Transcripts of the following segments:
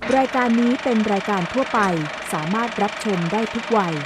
รายการนี้เป็นรายการทั่วไปสามารถรับชมได้ทุกวัย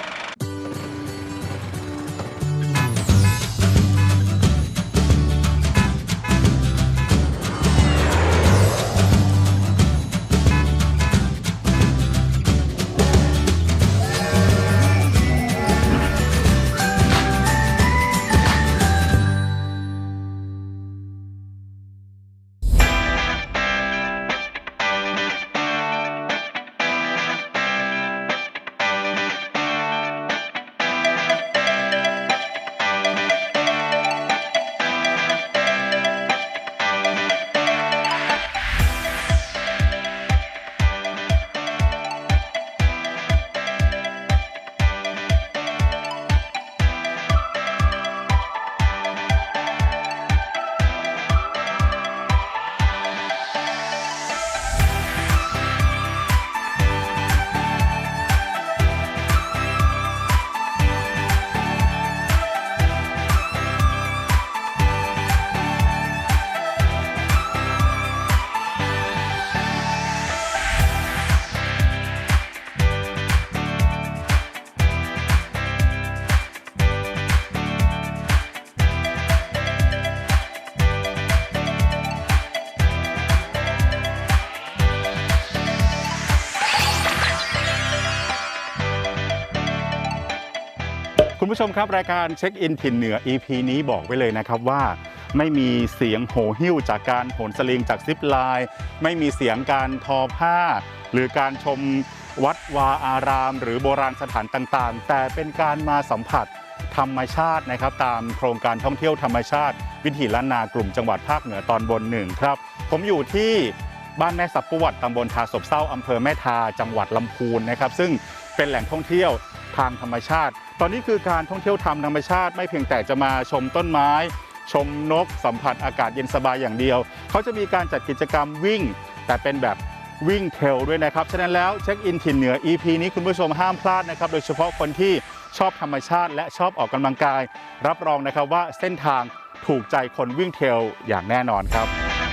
คุณผู้ชมครับรายการเช็คอินถิ่นเหนือ EP นี้บอกไว้เลยนะครับว่าไม่มีเสียงโห่หิ้วจากการโหนสลิงจากซิปไลน์ไม่มีเสียงการทอผ้าหรือการชมวัดวาอารามหรือโบราณสถานต่างๆแต่เป็นการมาสัมผัสธรรมชาตินะครับตามโครงการท่องเที่ยวธรรมชาติวิถีล้านนากลุ่มจังหวัดภาคเหนือตอนบน1ครับผมอยู่ที่บ้านแม่สับปวดตำบลทาศพเศร้าอำเภอแม่ทาจังหวัดลำพูนนะครับซึ่งเป็นแหล่งท่องเที่ยวทางธรรมชาติตอนนี้คือการท่องเที่ยวทางธรรมชาติไม่เพียงแต่จะมาชมต้นไม้ชมนกสัมผัสอากาศเย็นสบายอย่างเดียวเขาจะมีการจัดกิจกรรมวิ่งแต่เป็นแบบวิ่งเทรลด้วยนะครับฉะนั้นแล้วเช็คอินถิ่นเหนือ EP นี้คุณผู้ชมห้ามพลาดนะครับโดยเฉพาะคนที่ชอบธรรมชาติและชอบออกกำลังกายรับรองนะครับว่าเส้นทางถูกใจคนวิ่งเทรลอย่างแน่นอนครับ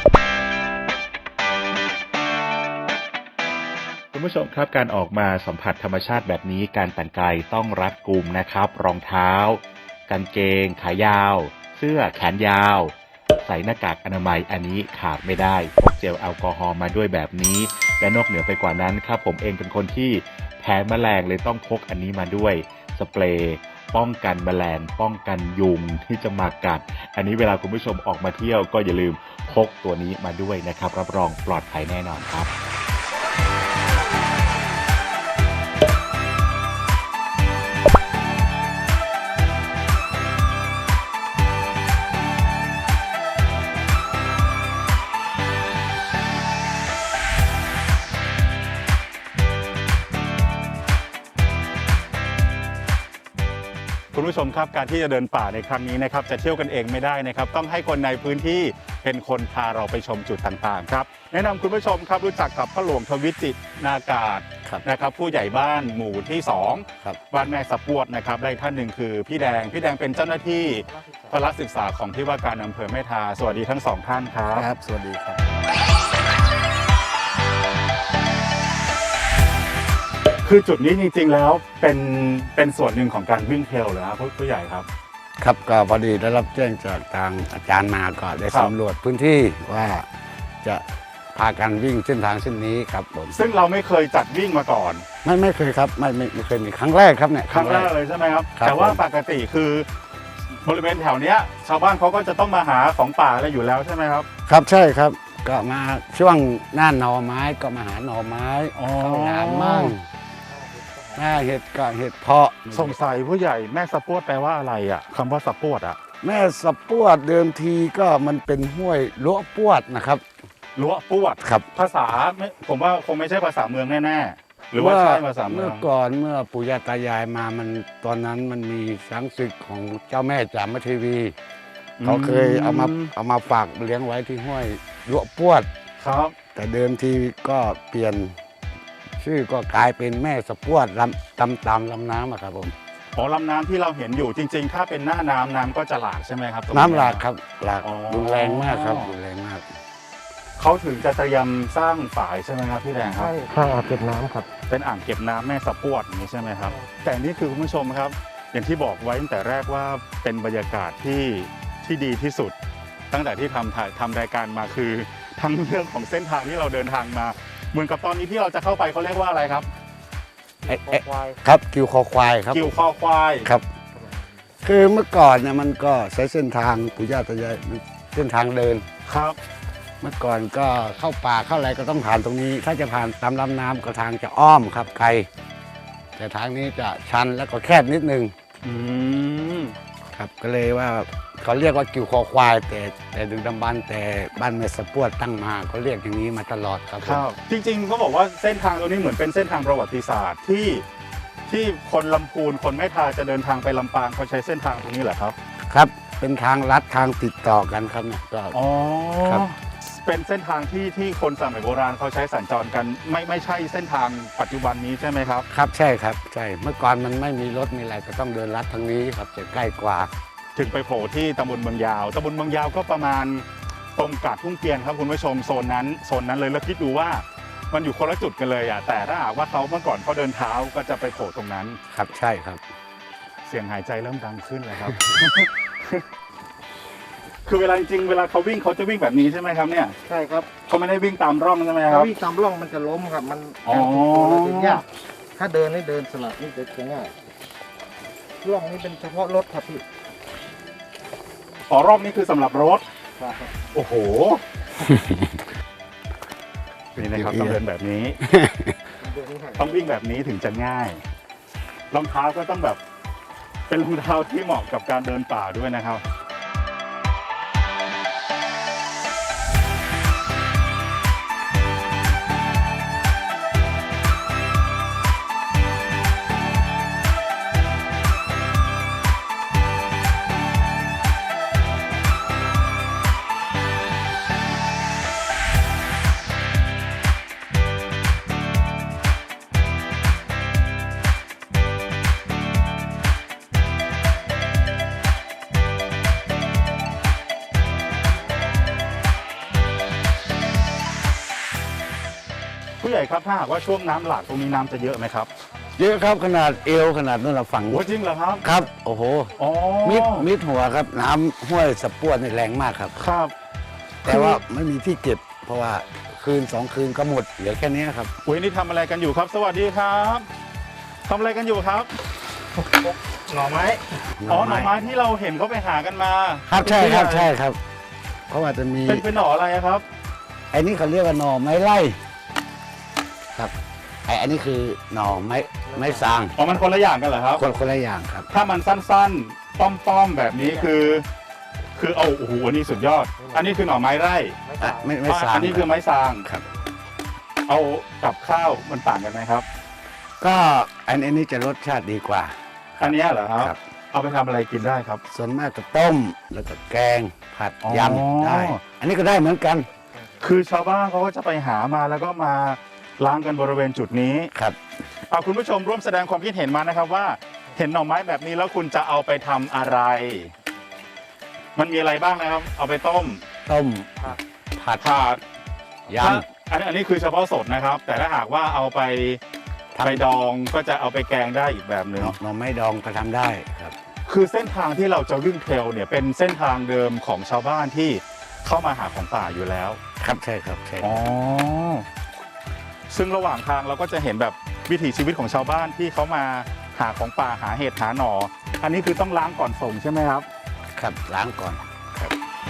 คุณผู้ชมครับการออกมาสัมผัสธรรมชาติแบบนี้การแต่งกายต้องรัดกุมนะครับรองเท้ากางเกงขายาวเสื้อแขนยาวใส่หน้ากากอนามัยอันนี้ขาดไม่ได้พกเจลแอลกอฮอล์มาด้วยแบบนี้และนอกเหนือไปกว่านั้นครับผมเองเป็นคนที่แพ้แมลงเลยต้องพกอันนี้มาด้วยสเปรย์ป้องกันแมลงป้องกันยุงที่จะมากัดอันนี้เวลาคุณผู้ชมออกมาเที่ยวก็อย่าลืมพกตัวนี้มาด้วยนะครับรับรองปลอดภัยแน่นอนครับคุณผู้ชมครับการที่จะเดินป่าในครั้งนี้นะครับจะเที่ยวกันเองไม่ได้นะครับต้องให้คนในพื้นที่เป็นคนพาเราไปชมจุดต่างๆครับแนะนำคุณผู้ชมครับรู้จักกับพ่อหลวงทวิจิตรนากาศนะครับผู้ใหญ่บ้านหมู่ที่2บ้านแม่สับปวดนะครับได้ท่านหนึ่งคือพี่แดงเป็นเจ้าหน้าที่พละศึกษาของที่ว่าการอำเภอแม่ทาสวัสดีทั้ง2ท่านครับสวัสดีครับคือจุดนี้จริงๆแล้วเป็นส่วนหนึ่งของการวิ่งเทรลเหรอครับผู้ใหญ่ครับครับก็พอดีได้รับแจ้งจากทางอาจารย์มาก็ได้สำรวจพื้นที่ว่าจะพากันวิ่งเส้นทางเส้นนี้ครับผมซึ่งเราไม่เคยจัดวิ่งมาก่อนไม่เคยครับไม่เคยมีครั้งแรกครับเนี่ยครั้งแรกเลยใช่ไหมครับแต่ว่าปกติคือบริเวณแถวเนี้ยชาวบ้านเขาก็จะต้องมาหาของป่าอะไรอยู่แล้วใช่ไหมครับครับใช่ครับก็มาช่วงหน้าหน่อไม้ก็มาหาหน่อไม้ข้าวหลามมั่งหน้าเห็ดก็เห็ดเพาะสงสัยผู้ใหญ่แม่สะปวดแปลว่าอะไรอ่ะคำว่าสะปวดอ่ะแม่สะปวดเดิมทีก็มันเป็นห้วยล้วปวดนะครับล้วปวดครับภาษาผมว่าคงไม่ใช่ภาษาเมืองแน่ๆหรือว่าใช่ภาษาเมืองเมื่อก่อนเมื่อปู่ย่าตายายมามันตอนนั้นมันมีช้างศึกของเจ้าแม่จามเทวีเขาเคยเอามาฝากเลี้ยงไว้ที่ห้วยล้วปวดครับแต่เดิมทีก็เปลี่ยนชื่อก็กลายเป็นแม่สะปวดตามลำน้ำครับผมลำน้ำที่เราเห็นอยู่จริงๆถ้าเป็นหน้าน้ำก็จะหลากใช่ไหมครับน้ำหลากครับหลากรุนแรงมากครับรุนแรงมากเขเขาถึงจะเตรียมสร้างฝายใช่ไหมครับพี่แดงครับใช่ข้างอ่างเก็บน้ำครับเป็นอ่างเก็บน้ำแม่สะพวดอย่างนี้ใช่ไหมครับ แต่นี่คือคุณผู้ชมครับ อย่างที่บอกไว้ตั้งแต่แรกว่าเป็นบรรยากาศที่ดีที่สุด ตั้งแต่ที่ทำรายการมาคือทั้งเรื่องของเส้นทางที่เราเดินทางมา เหมือนกับตอนนี้ที่เราจะเข้าไปเขาเรียกว่าอะไรครับครับกิวคอควายครับกิวคอควายครับ คือเมื่อก่อนเนี่ยมันก็ใช้เส้นทางปู่ย่าตายายเส้นทางเดินครับเมื่อก่อนก็เข้าป่าเข้าอะไรก็ต้องผ่านตรงนี้ ถ้าจะผ่านตามลำน้ำก็ทางจะอ้อมครับไกลแต่ทางนี้จะชันแล้วก็แคบนิดนึงอืมครับก็เลยว่าเขาเรียกว่ากิวคอควาย แต่ดึกดำบรรพ์แต่บ้านแม่สะพวดตั้งมาเขาเรียกอย่างนี้มาตลอดครับครับ จริงๆเขาบอกว่าเส้นทางตรงนี้เหมือนเป็นเส้นทางประวัติศาสตร์ที่คนลำพูนคนแม่ทาจะเดินทางไปลำปางเขาใช้เส้นทางตรงนี้เหรอครับครับเป็นทางลัดทางติดต่อกันครับเนี่ยก็อ๋อครับเป็นเส้นทางที่คนสมัยโบราณเขาใช้สัญจรกันไม่ใช่เส้นทางปัจจุบันนี้ใช่ไหมครับครับใช่ครับใช่เมื่อก่อนมันไม่มีรถมีอะไรก็ต้องเดินลัดทางนี้ครับจะใกล้กว่าถึงไปโผล่ที่ตำบลเมืองยาวตำบลเมืองยาวก็ประมาณตรงกาดทุ่งเกียนครับคุณผู้ชมโซนนั้นเลยแล้วคิดดูว่ามันอยู่คนละจุดกันเลยอ่ะแต่ถ้าหากว่าเขาเมื่อก่อนเขาเดินเท้าก็จะไปโผล่ตรงนั้นครับใช่ครับเสียงหายใจเริ่มดังขึ้นเลยครับ คือเวลาจริงๆเวลาเขาวิ่งเขาจะวิ่งแบบนี้ใช่ไหมครับเนี่ยใช่ครับเขาไม่ได้วิ่งตามร่องใช่ไหมคถ้ารับวิ่งตามร่องมันจะล้มครับ มันอ๋อการติดตัวเราจะยากถ้าเดินนี่เดินสลับนี่จะง่ายร่องนี้เป็นเฉพาะรถครับพี่อ๋อรอบนี้คือสำหรับรถครับโอ้โห นี่นะครับต้องเดินแบบนี้เดินนี่ครับต้องวิ่งแบบนี้ถึงจะง่าย รองเท้าก็ต้องแบบเป็นรองเท้าที่เหมาะกับการเดินป่าด้วยนะครับ ผู้ใหญ่ครับถ้าหากว่าช่วงน้ำหลากตรงนี้น้ำจะเยอะไหมครับเยอะครับขนาดเอวขนาดนู้นเราฝั่งโอ้จริงเหรอครับครับโอ้โหอ๋อมิดหัวครับน้ำห้วยสะพวดนี่แรงมากครับครับแต่ว่าไม่มีที่เก็บ เพราะว่าคืน2 คืนก็หมดเหลือแค่นี้ครับอุ้ยนี่ทำอะไรกันอยู่ครับ สวัสดีครับทำอะไรกันอยู่ครับหน่อไม้อ๋อหน่อไม้ที่เราเห็นเขาไปหากันมาครับใช่ครับใช่ครับ เพราะว่าจะมีเป็นหน่ออะไรอะครับไอ้นี่เขาเรียกว่าหน่อไม้ไล่ครับอันนี้คือหน่อไม้สางอ๋อมันคนละอย่างกันเหรอครับคนละอย่างครับถ้ามันสั้นๆ ป้อมๆแบบนี้คือเอาโอ้โหอันนี้สุดยอด อันนี้คือหน่อไม้ไร่ไม่สางอันนี้คือไม้ซางครับเอากับข้าวมันต่างกันไหมครับก็อันนี้จะรสชาติดีกว่าอันเนี้ยเหรอครับครับเอาไปทำอะไรกินได้ครับส่วนมากก็ต้มแล้วก็แกงผัดอ๋อยำได้ อันนี้ก็ได้เหมือนกันคือชาวบ้านเขาก็จะไปหามาแล้วก็มาล้างกันบริเวณจุดนี้ครับเอาคุณผู้ชมร่วมแสดงความคิดเห็นมานะครับว่า เห็นหน่อไม้แบบนี้แล้วคุณจะเอาไปทำอะไร มันมีอะไรบ้างนะครับ เอาไปต้มต้มผัดผัดยอันนี้คือเฉพาะสดนะครับ แต่ถ้าหากว่าเอาไปไปดองก็จะเอาไปแกงได้อีกแบบหำนึ่งหน่อไม้ดองก็ทำได้ครับคือเส้นทางที่เราจะวิ่งเทรลเนี่ยเป็นเส้นทางเดิมของชาวบ้านที่เข้ามาหาของป่าอยู่แล้วครับใช่ครับใช่อ๋อ ซึ่งระหว่างทางเราก็จะเห็นแบบวิถีชีวิตของชาวบ้านที่เขามาหาของป่าหาเห็ดหาหน่อ อันนี้คือต้องล้างก่อนส่งใช่ไหมครับครับล้างก่อนครับ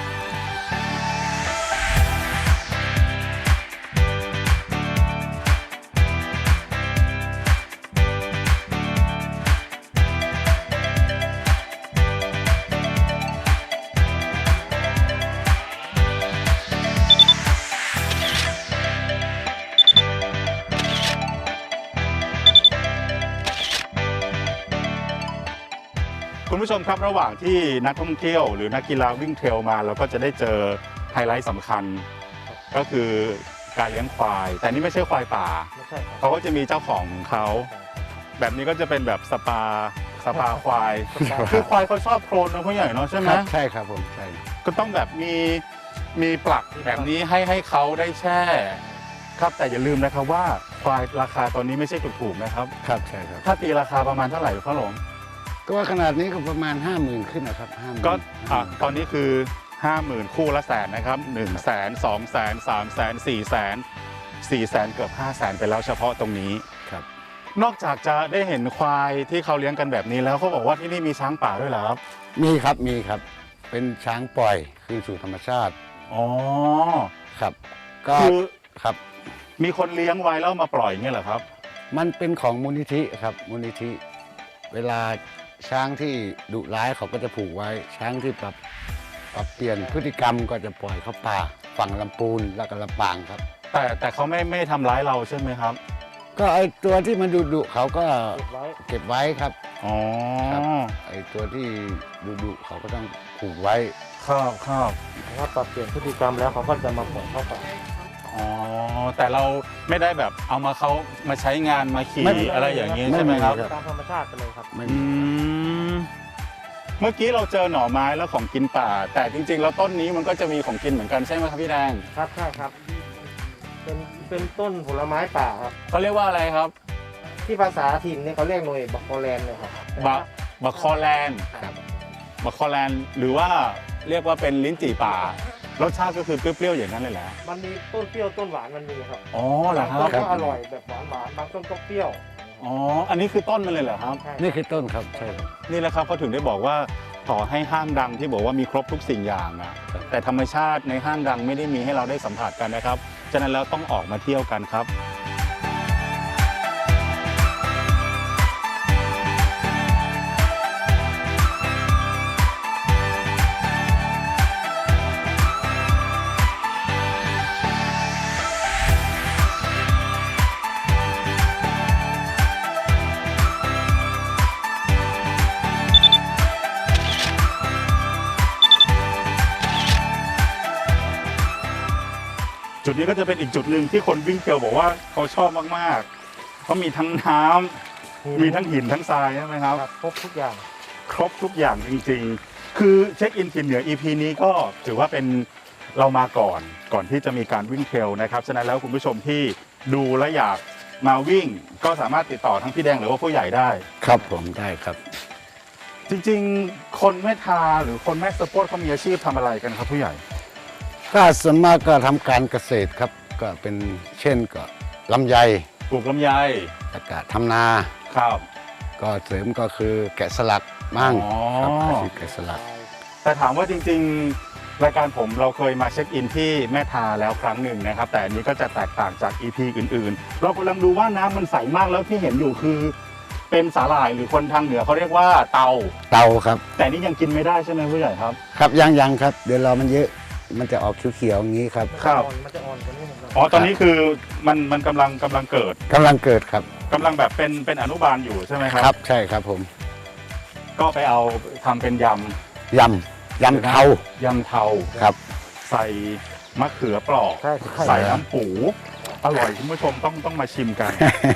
คุณผู้ชมครับระหว่างที่นักท่องเที่ยวหรือนักกีฬาวิ่งเทรลมาเราก็จะได้เจอไฮไลท์สำคัญ ก็คือการเลี้ยงควาย แต่นี่ไม่ใช่ควายป่าไม่ใช่ครับเขาก็จะมีเจ้าของเขา แบบนี้ก็จะเป็นแบบสปาควาย คือควายเขาชอบโคลนนะผู้ใหญ่เนาะใช่ไหมครับใช่ครับผมใช่ก็ต้องแบบมีมีปลักแบบนี้ให้เขาได้แช่ครับแต่อย่าลืมนะครับว่าควายราคาตอนนี้ไม่ใช่ถูกๆนะครับครับใช่ครับถ้าตีราคาประมาณเท่าไหร่พ่อหลงก็ว่าขนาดนี้ก็ประมาณ 50,000ขึ้นนะครับ50,000 ก็ตอนนี้คือ 50,000 คู่ละแสนนะครับ100,000 200,000 300,000 400,000 400,000เกือบ500,000ไปแล้วเฉพาะตรงนี้ครับนอกจากจะได้เห็นควายที่เขาเลี้ยงกันแบบนี้แล้วเขาบอกว่าที่นี่มีช้างป่าด้วยเหรอครับมีครับมีครับ เป็นช้างปล่อยคืนสู่ธรรมชาติอ๋อครับ ก็คือครับมีคนเลี้ยงไว้แล้วมาปล่อยอย่างเงี้ยเหรอครับมันเป็นของมูลนิธิครับมูลนิธิ เวลาช้างที่ดุร้ายเขาก็จะผูกไว้ ช้างที่ปรับเปลี่ยนพฤติกรรมก็จะปล่อยเข้าป่าฝั่งลำพูนและก็ลำปางครับแต่เขาไม่ทำร้ายเราใช่ไหมครับก็ไอตัวที่มันดุเขาก็เก็บไว้เก็บไว้ครับอ๋อครับ ไอตัวที่ดุเขาก็ต้องผูกไว้ครับครับถ้าปรับเปลี่ยนพฤติกรรมแล้วเขาก็จะมาปล่อยเข้าป่าอ๋อแต่เราไม่ได้แบบเอามาเขามาใช้งานมาขี่ไม่อะไรอย่างนี้ไม่ใช่ไหมครับมีครับตามธรรมชาติไปเลยครับไม่อืมเมื่อกี้เราเจอหน่อไม้แล้วของกินป่า แต่จริงๆแล้วต้นนี้มันก็จะมีของกินเหมือนกันใช่ไหมครับพี่แดงครับใช่ครับ เป็นต้นผลไม้ป่าครับเขาเรียกว่าอะไรครับที่ภาษาถิ่นเนี่ยเขาเรียกหน่วยบักโคแลนเลยครับบักคอแลนด์ครับบักคอแลนด์หรือว่าเรียกว่าเป็นลิ้นจี่ป่ารสชาติก็คือเปรี้ยวๆอย่างนั้นเลยแหละมันมีต้นเปรี้ยวต้นหวานมันมีครับอ๋อเหรอครับางต้นก็อร่อยแบบหวานบางต้นก็เปรี้ยวอ๋ออันนี้คือต้นมันเลยเหรอครับใช่นี่คือต้นครับใช่ครับนี่แหละครับเขาถึงได้บอกว่าต่อให้ห้างดังที่บอกว่ามีครบทุกสิ่งอย่างอะแต่ธรรมชาติในห้างดังไม่ได้มีให้เราได้สัมผัสกันนะครับฉะนั้นแล้วต้องออกมาเที่ยวกันครับ จุดนี้ก็จะเป็นอีกจุดหนึ่งที่คนวิ่งเทรลบอกว่าเขาชอบมากๆเพราะมีทั้งน้ำมีทั้งหินทั้งทรายใช่ไหมครับครับครบทุกอย่างครบทุกอย่างจริงๆ คือเช็คอินถิ่นเหนือ EP นี้ก็ถือว่าเป็นเรามาก่อนที่จะมีการวิ่งเทรลนะครับ ฉะนั้นแล้วคุณผู้ชมที่ดูและอยากมาวิ่ง ก็สามารถติดต่อทั้งพี่แดงหรือว่าผู้ใหญ่ได้ครับผมได้ครับจริงๆ คนแม่ทาหรือคนแม่สปอร์ตเขามีอาชีพทำอะไรกันครับผู้ใหญ่ก็ส่วนมากก็ทำการเกษตรครับ ก็เป็นเช่นก็ลำไยปลูกลำไยแล้วก็ทำนาครับก็เสริมก็คือแกะสลักมั่งอ๋อครับอาชีพแกะสลักแต่ถามว่าจริงๆ รายการผมเราเคยมาเช็คอินที่แม่ทาแล้วครั้งหนึ่งนะครับ แต่อันนี้ก็จะแตกต่างจาก EP อื่นๆ เรากำลังดูว่าน้ำมันใสมากแล้วที่เห็นอยู่คือ เป็นสาหร่ายหรือคนทางเหนือเขาเรียกว่าเตาเตาครับแต่นี่ยังกินไม่ได้ใช่ไหมผู้ใหญ่ครับครับยังครับ เดี๋ยวรอมันเยอะมันจะออกเขียวๆอย่างนี้ครับครับมันจะอ่อนกว่านี้หน่อยอ๋อตอนนี้คือมันกำลังเกิดกำลังเกิดครับกำลังแบบเป็นอนุบาลอยู่ใช่ไหมครับครับใช่ครับผมก็ไปเอาทำเป็นยยำเทาำเทาครับใส่มะเขือเปราะใช่ใส่น้ำปูอร่อยคุณผู้ชมต้องมาชิมกัน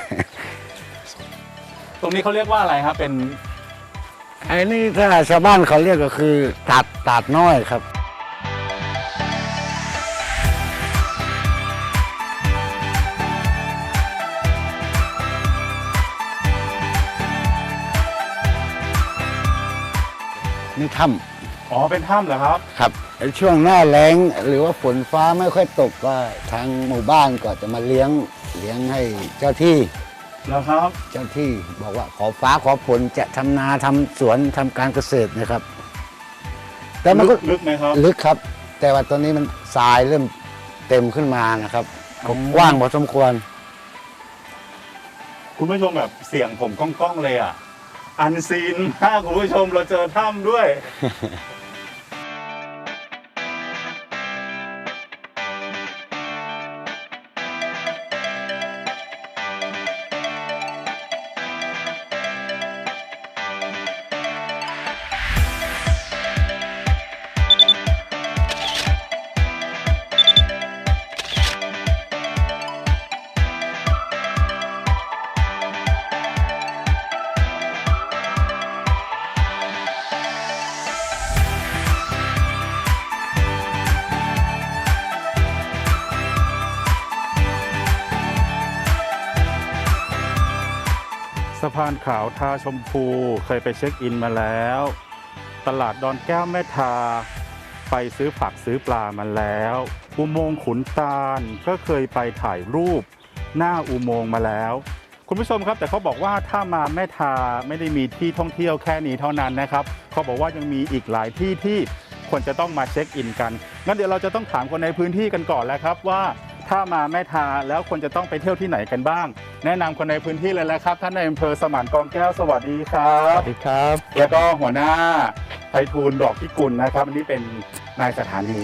ตรงนี้เขาเรียกว่าอะไรครับเป็นไอ้นี่ถ้าชาวบ้านเขาเรียกก็คือตาดน้อยครับ นี่ถ้อ๋อเป็นถ้ำเหรอครับำครับไอ้ช่วงหน้าแล้งหรือว่าฝนฟ้าไม่ค่อยตกก็ทางหมู่บ้านก็จะมาเลี้ยงให้เจ้าที่แล้วครับเจ้าที่บอกว่าขอฟ้าขอฝนจะทำนาทำสวนทำการเกษตรนะครับ แต่มันก็ลึกไหมครับลึกครับ แต่ว่าตอนนี้มันทรายเริ่มเต็มขึ้นมานะครับก็กว้างพอสมควรคุณผู้ชมแบบเสียงผมก้องๆเลยอ่ะ อันซีนมากคุณผู้ชมเราเจอถ้ำด้วยสะพานขาวทาชมพูเคยไปเช็คอินมาแล้ว ตลาดดอนแก้วแม่ทาไปซื้อผักซื้อปลามาแล้วอุโมงค์ขุนตาลก็เคยไปถ่ายรูปหน้าอุโมงค์มาแล้วคุณผู้ชมครับแต่เขาบอกว่าถ้ามาแม่ทาไม่ได้มีที่ท่องเที่ยวแค่นี้เท่านั้นนะครับเขาบอกว่ายังมีอีกหลายที่ที่ควรจะต้องมาเช็คอินกันงั้นเดี๋ยวเราจะต้องถามคนในพื้นที่กันก่อนแล้วครับว่าถ้ามาแม่ทาแล้วควรจะต้องไปเที่ยวที่ไหนกันบ้างแนะนำคนในพื้นที่เลยแล้วครับท่านในอำเภอสมานกองแก้วสวัสดีครับสวัสดีครับแล้วก็หัวหน้าไพฑูรย์ดอกพิกุลนะครับอันนี้เป็นนายสถานี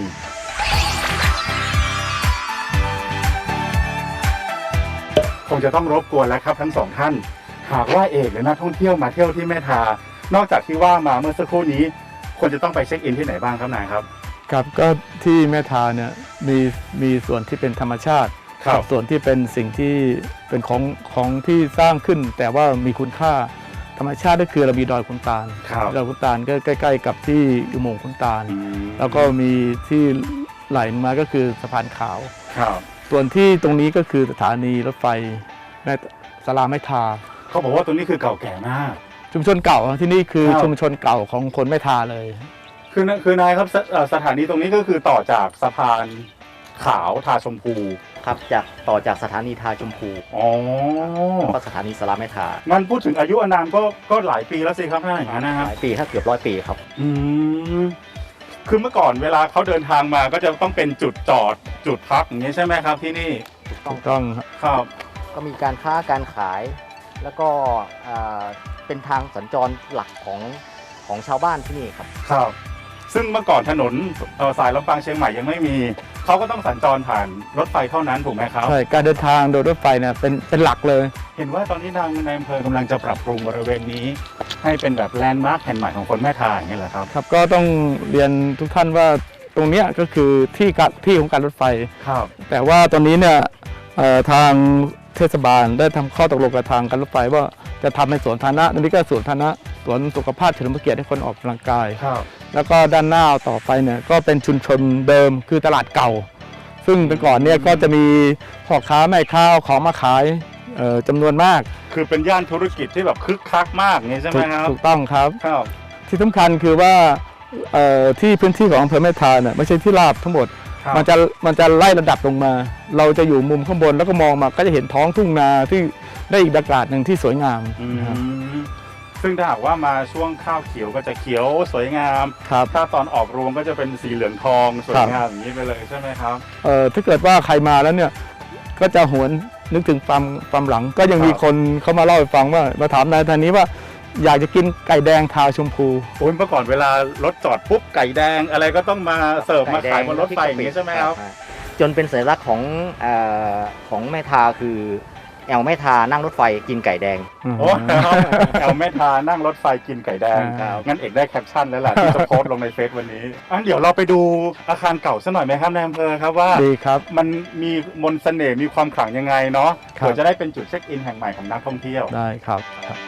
คงจะต้องรบกวนแล้วครับทั้งสองท่านหากว่าเอกหรือนักท่องเที่ยวมาเที่ยวที่แม่ทานอกจากที่ว่ามาเมื่อสักครู่นี้ควรจะต้องไปเช็คอินที่ไหนบ้างครับนายครับครับก็ที่แม่ทาเนี่ยมีส่วนที่เป็นธรรมชาติครับกับส่วนที่เป็นสิ่งที่เป็นของที่สร้างขึ้น แต่ว่ามีคุณค่าธรรมชาติก็คือเรามีดอยขุนตาลครับดอยขุนตาลก็ใกล้ๆกับที่อุโมงค์ขุนตาล แล้วก็มีที่ไหลมาก็คือสะพานขาวครับส่วนที่ตรงนี้ก็คือสถานีรถไฟแม่สลาแม่ทาเขาบอกว่าตรงนี้คือเก่าแก่มากชุมชนเก่าที่นี่คือครับชุมชนเก่าของคนแม่ทาเลยคือนายครับสถานีตรงนี้ก็คือต่อจากสะพานขาวทาชมพูครับต่อจากสถานีทาชมพูอ๋อแล้วก็สถานีสลาแม่ทามันพูดถึงอายุอานามก็หลายปีแล้วสิครับท่านอย่างนั้นนะครับหลายปีถ้าเกือบ100 ปีครับอืมคือเมื่อก่อนเวลาเขาเดินทางมาก็จะต้องเป็นจุดจอดจุดพักอย่างนี้ใช่ไหมครับที่นี่ถูกต้องครับครับก็มีการค้าการขาย แล้วก็เป็นทางสัญจรหลักของชาวบ้านที่นี่ครับครับ ซึ่งเมื่อก่อนถนนสายลำปางเชียงใหม่ยังไม่มีเขาก็ต้องสัญจรผ่านรถไฟเท่านั้นถูกไหมครับใช่การเดินทางโดยรถไฟเนี่ยเป็นหลักเลยเห็นว่าตอนนี้ทางในอำเภอกำลังจะปรับปรุงบริเวณนี้ ให้เป็นแบบแลนด์มาร์คแห่งใหม่ของคนแม่ทาอย่างนี้แหละครับครับก็ต้องเรียนทุกท่านว่าตรงเนี้ยก็คือที่ของการรถไฟครับแต่ว่าตอนนี้เนี่ยทางเทศบาลได้ทำข้อตกลงกับทางการรถไฟว่าจะทำเป็นสวนสาธารณะตรงนี้ก็สวนสาธารณะสวนสุขภาพเฉลิมพระเกียรติให้คนออกกำลังกายครับแล้วก็ด้านหน้าต่อไปเนี่ยก็เป็นชุมชนเดิมคือตลาดเก่า ซึ่งแต่ก่อนเนี่ยก็จะมีพ่อค้าแม่ค้าเอาของมาขายจำนวนมากคือเป็นย่านธุรกิจที่แบบคึกคักมากอย่างนี้ใช่ไหมครับถูกต้องครับครับที่สำคัญคือว่าที่พื้นที่ของอำเภอแม่ทาเนี่ยไม่ใช่ที่ราบทั้งหมดครับมันจะไล่ระดับลงมา เราจะอยู่มุมข้างบนแล้วก็มองมาก็จะเห็นท้องทุ่งนาที่ได้อีกบรรยากาศหนึ่งที่สวยงามอืมนะครับซึ่งถ้าหากว่ามาช่วงข้าวเขียวก็จะเขียวสวยงามครับถ้าตอนออกรวงก็จะเป็นสีเหลืองทองสวยงามอย่างนี้ไปเลยใช่ไหมครับถ้าเกิดว่าใครมาแล้วเนี่ยก็จะหวนนึกถึงความหลังก็ยังมีครับคนเขามาเล่าให้ฟังว่ามาถามนายท่านนี้ว่าอยากจะกินไก่แดงทาชมพูโอ้ยเมื่อก่อนเวลารถจอดปุ๊บไก่แดงอะไรก็ต้องมาเสิร์ฟมาขายบนรถไฟอย่างนี้ใช่ไหมครับจนเป็นสัญลักษณ์ของแม่ทาคือแอลแม่ทานั่งรถไฟกินไก่แดงโอ้แอลแม่ทานั่งรถไฟกินไก่แดงครับงั้นเอกได้แคปชั่นแล้วล่ะที่จะโพสต์ลงในเฟซวันนี้อันเดี๋ยวเราไปดูอาคารเก่าสักหน่อยไหมครับนายอำเภอครับว่าดีครับมันมีมนต์เสน่ห์มีความขลังยังไงเนาะครับเผื่อจะได้เป็นจุดเช็คอินแห่งใหม่ของนักท่องเที่ยวได้ครับ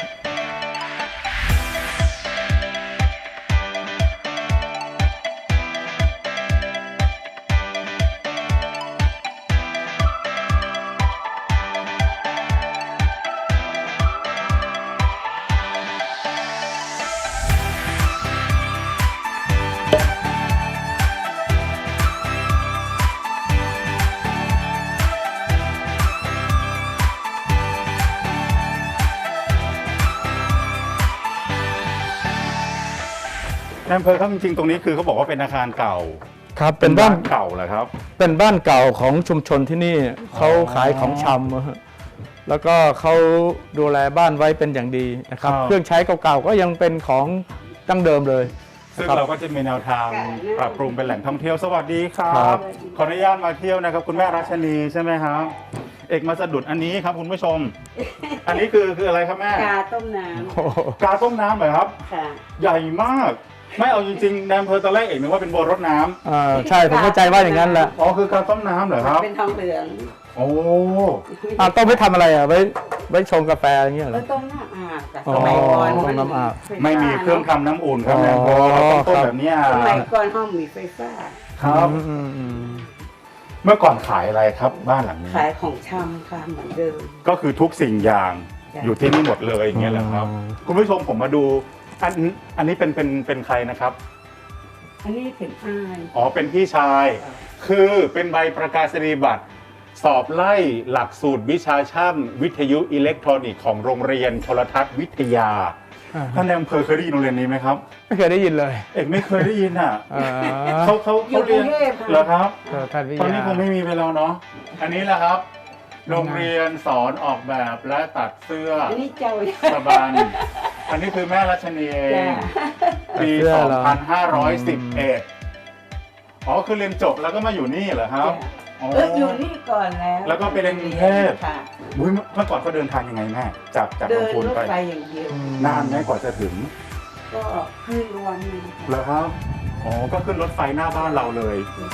นายอำเภอครับจริงๆตรงนี้คือเขาบอกว่าเป็นอาคารเก่าครับเป็นบ้านเก่าเหรอครับเป็นบ้านเก่าของชุมชนที่นี่เขาขายของชำอะฮะแล้วก็เขาดูแลบ้านไว้เป็นอย่างดีนะครับครับเครื่องใช้เก่าๆก็ยังเป็นของดั้งเดิมเลยซึ่งครับเราก็จะมีแนวทางปรับปรุงเป็นแหล่งท่องเที่ยวสวัสดีครัครับ บขออนุญาตมาเที่ยวนะครับ คุณแม่รัชนีใช่ไหมครับ เอกมาสะดุดอันนี้ครับคุณผู้ชม อันนี้คืออะไรครับแม่กาต้มน้โอ้โหกาต้มน้ำเหรอครับำค่ะใหญ่มาก ไม่เอาจริงๆในอำเภอตอนแรกเอกนึกว่าเป็นบัวรดน้ำใช่ผมเข้าใจว่าอย่างนั้นแหละอ๋อคือกาต้มน้ำเหรอครับเป็นทองเหลืองโอ้ต้องไปทำอะไรอ่ะไว้ชงกาแฟอะไรเงี้ยเหรแล้อวต้มน้ำอาบค่ะอ๋อสมัยก่อนต้มน้ำอาบไม่มีเครื่องทำน้ำอุ่นครับอ๋อในอำเภอเราต้องต้มแบบเนี้ยสมัยก่อนห้องมีไฟฟ้าครับอืมเมื่อก่อนขายอะไรครับบ้านหลังนี้ขายของชำค่ะเหมือนเดิมก็คือทุกสิ่งอย่างจ้ะอยู่ที่นี่หมดเลยอย่างเงี้ยแหละครับ คุณผู้ชมผมมาดูอันนี้เป็นใครนะครับอันนี้เป็นอายอ๋อเป็นพี่ชาย คือเป็นใบประกาศนียบัตรสอบไล่หลักสูตรวิชาช่างวิทยุอิเล็กทรอนิกส์ของโรงเรียนโทรทัศน์วิทยาท่านในอำเภอเคยได้ยินโรงเรียนนี้ไหมครับไม่เคยได้ยินเลยเอกไม่เคยได้ยินอ่ะอ่าเขาเรียนเหรอครับท่านวิทตอนยานี้คงไม่มีไปแล้วเนาะอันนี้แหละครับ โรงเรียนสอนออกแบบและตัดเสื้ออันนี้เจ้าสะบันอันนี้คือแม่รัชนีเอง ปี 2511 อ๋อ คือเรียนจบแล้วก็มาอยู่นี่เหรอครับอ๋ออยู่นี่ก่อนแล้วแล้วก็ไปเรียนกรุงเทพค่ะอุ๊ยเมื่อก่อนเขาเดินทางยังไงแม่ จากเดินลำพูนรถไปไฟอย่างเดียวนานไหมกว่าจะถึงก็คืนวันหนึงเหรอครับ อ๋อ ก็ขึ้นรถไฟหน้าบ้านเราเลย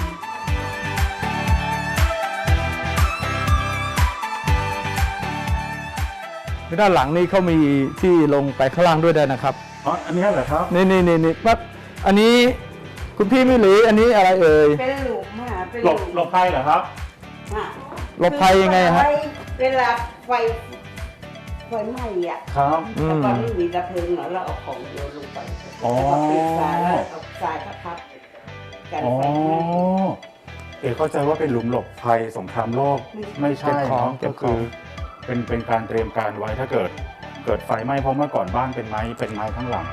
ด้านหลังนี่เขามีที่ลงไปข้างล่างด้วยได้นะครับอ๋อ อันนี้เหรอครับนี่ปั๊บอันนี้คุณพี่ไม่หรืออันนี้อะไรเอ่ยเป็นหลุมค่ะเป็นหลบภัยเหรอครับค่ะหลบภัยยังไงฮะเวลาไฟไหม้อ่ะครับแต่ตอนนี้มีดับเพลิงเหรอเราเอาของโยนลงไปอ๋อแล้วก็ปิดฝาแล้วเอาทรายทับกันอ๋อไฟไหม้เอกเข้าใจว่าเป็นหลุมหลบภัยสงครามโลก ไม่ใช่เก็บของเนาะเก็ก็บขคือองเป็นการเตรียมการไว้ถ้าเกิดไฟไหม้เพราะเมื่อก่อนบ้านเป็นไม้ทั้งหลัง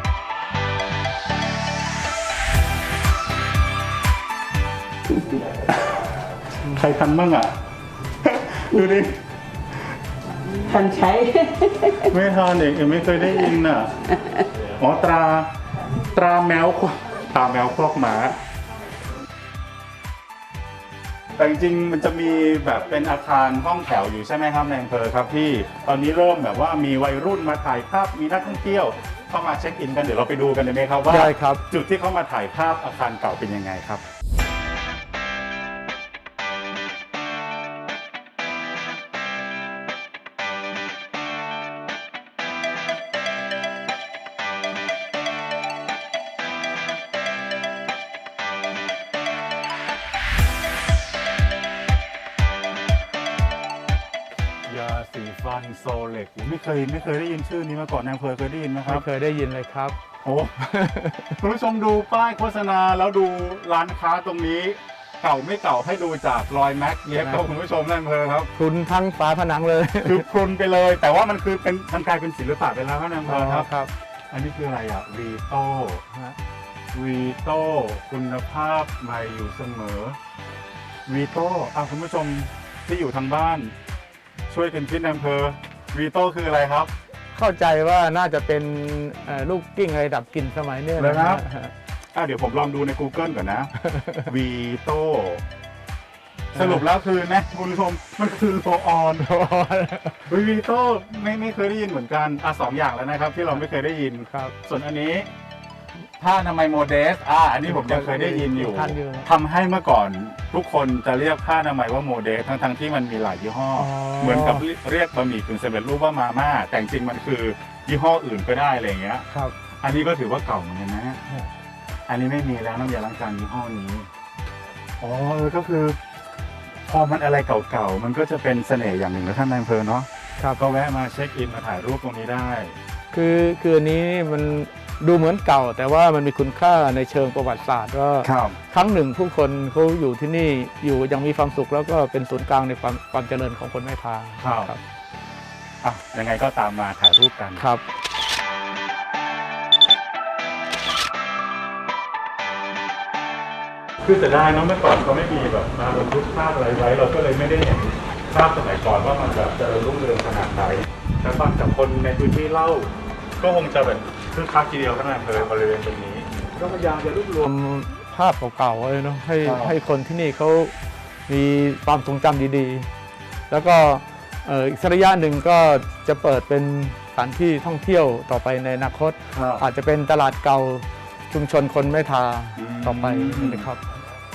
ใครทันบ้างอ่ะ ดูดิทันใช้ไม่ทันเอกไม่เคยได้ยินอ่ะ อ๋อตราแมวตราแมวคอกหมา แต่จริงๆมันจะมีแบบเป็นอาคารห้องแถวอยู่ใช่ไหมครับในอำเภอครับพี่ตอนนี้เริ่มแบบว่ามีวัยรุ่นมาถ่ายภาพมีนักท่องเที่ยวเข้ามาเช็คอินกันเดี๋ยวเราไปดูกันได้ไหมครับว่าได้ครับจุดที่เขามาถ่ายภาพอาคารเก่าเป็นยังไงครับ ยาสีฟันโซเล็กไม่เคยได้ยินชื่อนี้มาก่อนในอำเภอเคยได้ยินไหมครัไม่บเคยได้ยินเลยครับโอ้ คุณผู้ชมดูป้ายโฆษณาแล้วดูร้านค้าตรงนี้ เก่าไม่เก่าให้ดูจากรอยแม็กเย็บครับคุณผู้ชมในอำเภอครับพรุนทั้งฝาผนังเลยคือพรุนไปเลย แต่ว่ามันคือมันกลายเป็นศิลปะไปแล้วครับในอำเภอครับครับอันนี้คืออะไรอ่ะวีโต้วีโต้คุณภาพใหม่อยู่เสมอวีโต้คุณผู้ชมที่อยู่ทางบ้าน ช่วยกันคิดในอำเภอวีโต้คืออะไรครับเข้าใจว่าน่าจะเป็นลูกกิ้งอะไรดับกลิ่นสมัยเนี้ยเหรอครับฮะเดี๋ยวผมลองดูใน Google ก่อนนะ วีโต้สรุปแล้วคือนะคุณผู้ชมมันคือโลออนวีโต้ไม่เคยได้ยินเหมือนกันสองอย่างแล้วนะครับ ที่เราไม่เคยได้ยินครับส่วนอันนี้ผ้าอนามัยโมเดสอันนี้ผมยังเคยได้ยินอยู่ทันอยู่ทำให้เมื่อก่อนทุกคนจะเรียกผ้าอนามัยว่าโมเดสทั้งที่มันมีหลายยี่ห้ออเหมือนกับเรียกบะหมี่กึ่งสำเร็จรูปว่ามาม่าแต่จริงๆมันคือยี่ห้ออื่นก็ได้อะไรอย่างเงี้ยครับอันนี้ก็ถือว่าเก่าเหมือนกันนะครับอันนี้ไม่มีแล้วน้ำยาล้างจานยี่ห้อนี้ อ๋อก็คือ พอมันอะไรเก่าๆ มันก็จะเป็นเสน่ห์อย่างหนึ่งนะท่านนายอำเภอเนาะครับก็แวะมาเช็คอินมาถ่ายรูปตรงนี้ได้คืออันนี้มันดูเหมือนเก่า แต่ว่ามันมีคุณค่าในเชิงประวัติศาสตร์ว่าครับครั้งหนึ่งผู้คนเขาอยู่ที่นี่อยู่อยังมีความสุขแล้วก็เป็นศูนย์กลางในความเจริญของคนแม่ทาครับ ยังไงก็ตามมาถ่ายรูปกันครับคือจะได้เนอะเมื่อก่อนเขาไม่มีแบบมาบันทึกภาพอะไรไว้ เราก็เลยไม่ได้เห็นภาพสมัยก่อนว่ามันแบบเจริญรุ่งเรืองขนาดไหนแต่ฟังจากคนในพื้นที่เล่า ก็คงจะแบบคือคักทีเดียวขนาดเลยบริเวณตรงนี้ ก็พยายามจะรวบรวมภาพเก่าๆไว้เนาะให้ครับให้คนที่นี่เขามีความทรงจำดีๆ แล้วก็อีกสักระยะหนึ่งก็จะเปิดเป็นสถานที่ท่องเที่ยวต่อไปในอนาคต อาจจะเป็นตลาดเก่าชุมชนคนแม่ทาต่อไปนะครับ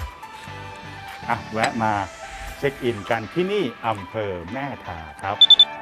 แวะมาเช็คอินกันที่นี่อำเภอแม่ทาครับ